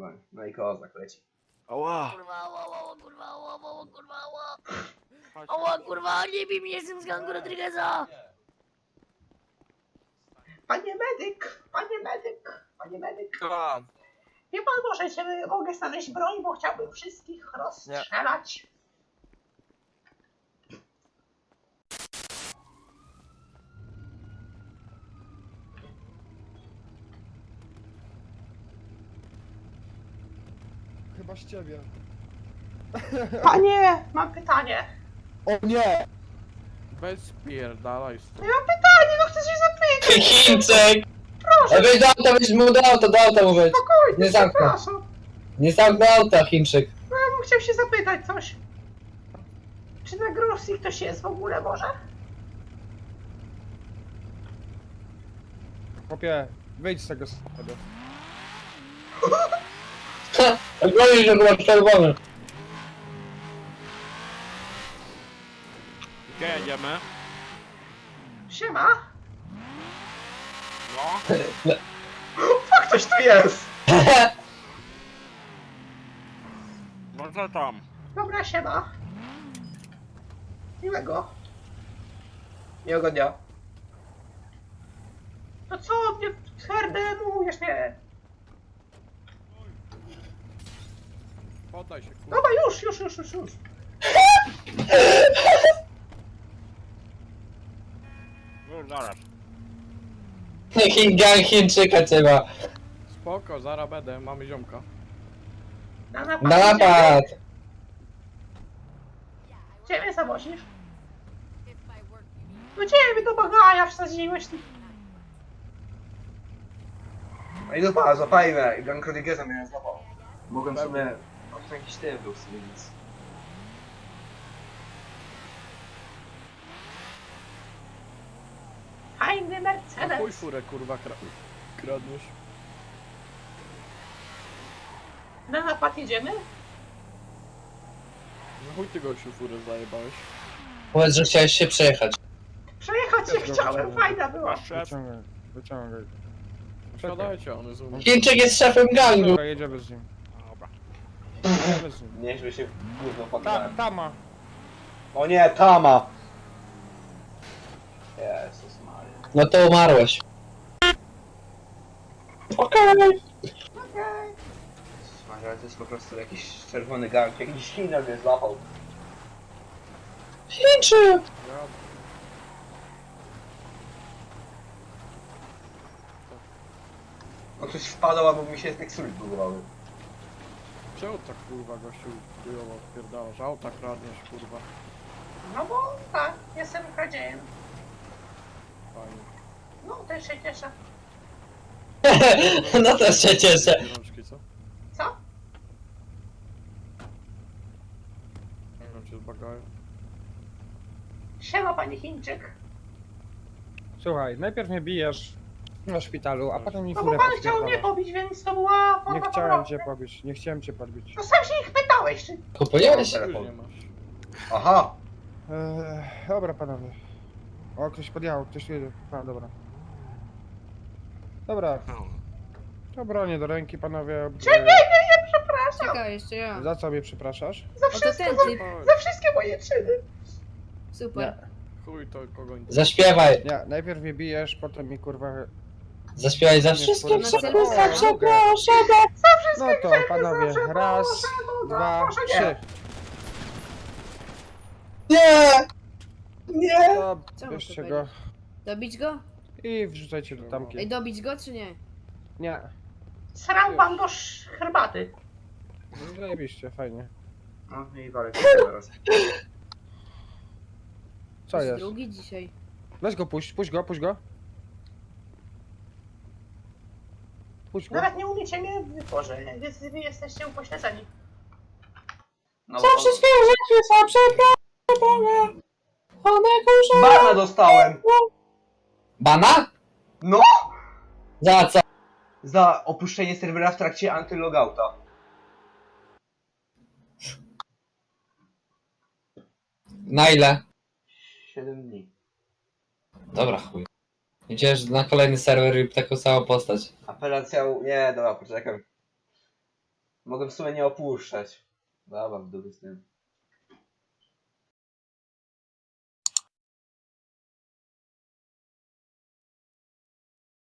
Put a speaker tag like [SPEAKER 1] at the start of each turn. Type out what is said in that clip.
[SPEAKER 1] normalnie. No i kozak leci.
[SPEAKER 2] Ała!
[SPEAKER 3] Kurwa, ała, kurwa, ała, kurwa, ała.
[SPEAKER 2] Chodź,
[SPEAKER 3] Ała, kurwa, nie bij mnie, jestem z gangu Rodrigueza.
[SPEAKER 1] Panie medyk! Panie medyk! Panie medyk!
[SPEAKER 2] Słucham.
[SPEAKER 1] Wie pan może, że mogę znaleźć broń, bo chciałbym wszystkich rozstrzelać?
[SPEAKER 4] Chyba z ciebie.
[SPEAKER 1] Panie, mam pytanie.
[SPEAKER 4] O nie!
[SPEAKER 2] Weź spierdalaj stąd.
[SPEAKER 1] Ja mam pytanie, no chcę się zapytać.
[SPEAKER 5] Chińczyk!
[SPEAKER 1] Proszę,
[SPEAKER 5] Weź do auta, weź mu do auta mu weź.
[SPEAKER 1] spokojnie,
[SPEAKER 5] Nie zamknę.
[SPEAKER 1] przepraszam.
[SPEAKER 5] Nie zamknę auta, Chińczyk.
[SPEAKER 1] No, ja bym chciał się zapytać coś. Czy na Grosji ktoś jest w ogóle może?
[SPEAKER 4] Chłopie, wyjdź z tego samochodu.
[SPEAKER 5] Gonisz, że chyba czerwony.
[SPEAKER 2] Gdzie jedziemy?
[SPEAKER 1] Siema.
[SPEAKER 2] No.
[SPEAKER 1] Fuck, ktoś tu jest.
[SPEAKER 2] No co tam?
[SPEAKER 1] Dobra, siema. Miłego. Miłego dnia. To co, nie twardemujesz mnie?
[SPEAKER 2] Poddaj się, kurwa.
[SPEAKER 1] Dobra, już.
[SPEAKER 2] Już zaraz.
[SPEAKER 5] Gang Chińczyka trzeba.
[SPEAKER 2] Spoko, zaraz będę, mamy ziomka.
[SPEAKER 1] Na napad.
[SPEAKER 5] Na napad!
[SPEAKER 1] Gdzie mnie zawozisz? No gdzie mnie do bagaja wsadziłeś ty? No i dupa, złapajmy. I Gang Rodrigueza mnie złapał. Mogłem sobie... O, jakiś typ był sobie, więc... Fajny
[SPEAKER 2] Na chuj
[SPEAKER 1] Mercedes.
[SPEAKER 2] furę, kurwa, kradniesz.
[SPEAKER 1] Na napad jedziemy?
[SPEAKER 2] Na chuj ty gościu furę zajebałeś.
[SPEAKER 5] Powiedz, że chciałeś się przejechać.
[SPEAKER 1] Przejechać się chciałem, fajna była.
[SPEAKER 2] Masz szef?
[SPEAKER 4] Wyciągaj.
[SPEAKER 2] Wsiadajcie, on jest u mnie.
[SPEAKER 5] Chińczyk jest szefem gangu.
[SPEAKER 4] Dobra, jedziemy z nim.
[SPEAKER 2] Dobra.
[SPEAKER 4] Jedziemy z nim.
[SPEAKER 1] Nieźle się gówno poddałem.
[SPEAKER 4] Tama.
[SPEAKER 1] O nie, Tama! Jezus Maria.
[SPEAKER 5] No to umarłeś. Okej.
[SPEAKER 1] Okej. Jezus Maria, to jest po prostu jakiś czerwony gang, jakiś China mnie złapał.
[SPEAKER 5] Chińczyk!
[SPEAKER 2] Ja...
[SPEAKER 1] On coś wpadał, albo mi się tekstury budowały.
[SPEAKER 2] Czemu tak kurwa gościu chujowo odpierdalasz? Auta kradniesz, kurwa.
[SPEAKER 1] No bo tak, jestem kradziejem.
[SPEAKER 2] Fajnie.
[SPEAKER 1] No, też się cieszę.
[SPEAKER 5] No też się cieszę.
[SPEAKER 2] Rączki, co?
[SPEAKER 1] Co?
[SPEAKER 2] Jak cię zbagają?
[SPEAKER 1] Siema, panie Chińczyk.
[SPEAKER 4] Słuchaj, najpierw mnie bijesz na szpitalu, a potem mi
[SPEAKER 1] No bo
[SPEAKER 4] furę
[SPEAKER 1] pan chciał mnie
[SPEAKER 4] podpierdalasz.
[SPEAKER 1] pobić, więc to była forma
[SPEAKER 4] Nie chciałem
[SPEAKER 1] pobrony.
[SPEAKER 4] cię pobić, nie chciałem cię podbić.
[SPEAKER 1] No sam się ich pytałeś, czy...
[SPEAKER 5] Kupujesz?
[SPEAKER 2] Już nie masz.
[SPEAKER 1] Aha.
[SPEAKER 4] Dobra panowie. O, ktoś podjechał, ktoś jedzie. A, dobra. Dobra, to bronię do ręki panowie.
[SPEAKER 1] Nie, przepraszam.
[SPEAKER 6] Czekaj, jeszcze ja.
[SPEAKER 4] Za co mnie przepraszasz?
[SPEAKER 1] Za
[SPEAKER 6] O, to
[SPEAKER 1] wszystko,
[SPEAKER 6] ten typ.
[SPEAKER 1] za wszystkie moje czyny.
[SPEAKER 6] Super.
[SPEAKER 2] Chuj to kogo nie...
[SPEAKER 5] Zaśpiewaj.
[SPEAKER 4] Nie, najpierw mnie bijesz, potem mi kurwa...
[SPEAKER 5] Zaśpiewaj za
[SPEAKER 4] Nie,
[SPEAKER 5] wszystkim,
[SPEAKER 4] kurwa,
[SPEAKER 5] przepraszam,
[SPEAKER 4] mogę.
[SPEAKER 5] przepraszam.
[SPEAKER 4] No to panowie, raz, dwa, trzy.
[SPEAKER 5] Nie! Nie!
[SPEAKER 4] To
[SPEAKER 6] Co
[SPEAKER 4] bierzcie
[SPEAKER 6] mam
[SPEAKER 4] go
[SPEAKER 6] Dobić go?
[SPEAKER 4] i wrzucajcie do
[SPEAKER 6] Ej,
[SPEAKER 4] tamki.
[SPEAKER 6] dobić go czy nie?
[SPEAKER 4] Nie,
[SPEAKER 1] Srał pan do herbaty.
[SPEAKER 4] no zajebiście, fajnie.
[SPEAKER 1] No i walę teraz.
[SPEAKER 4] Co jest?
[SPEAKER 6] Drugi dzisiaj.
[SPEAKER 4] Weź go, puść go. Puść go.
[SPEAKER 1] Nawet nie umiecie mnie wytworzyć, więc wy jesteście upośledzeni. No,
[SPEAKER 5] Co przez chwilę chwyta, przepraszam. One kurze.
[SPEAKER 1] Bana dostałem!
[SPEAKER 5] Bana?
[SPEAKER 1] No!
[SPEAKER 5] Za co?
[SPEAKER 1] Za opuszczenie serwera w trakcie antylogouta.
[SPEAKER 5] Na ile?
[SPEAKER 1] 7 dni.
[SPEAKER 5] Dobra, chuj. Idziesz na kolejny serwer i taką samą postać.
[SPEAKER 1] Apelacja... Nie, dobra, poczekam. Mogę w sumie nie opuszczać. Dobra, w dupie z tym.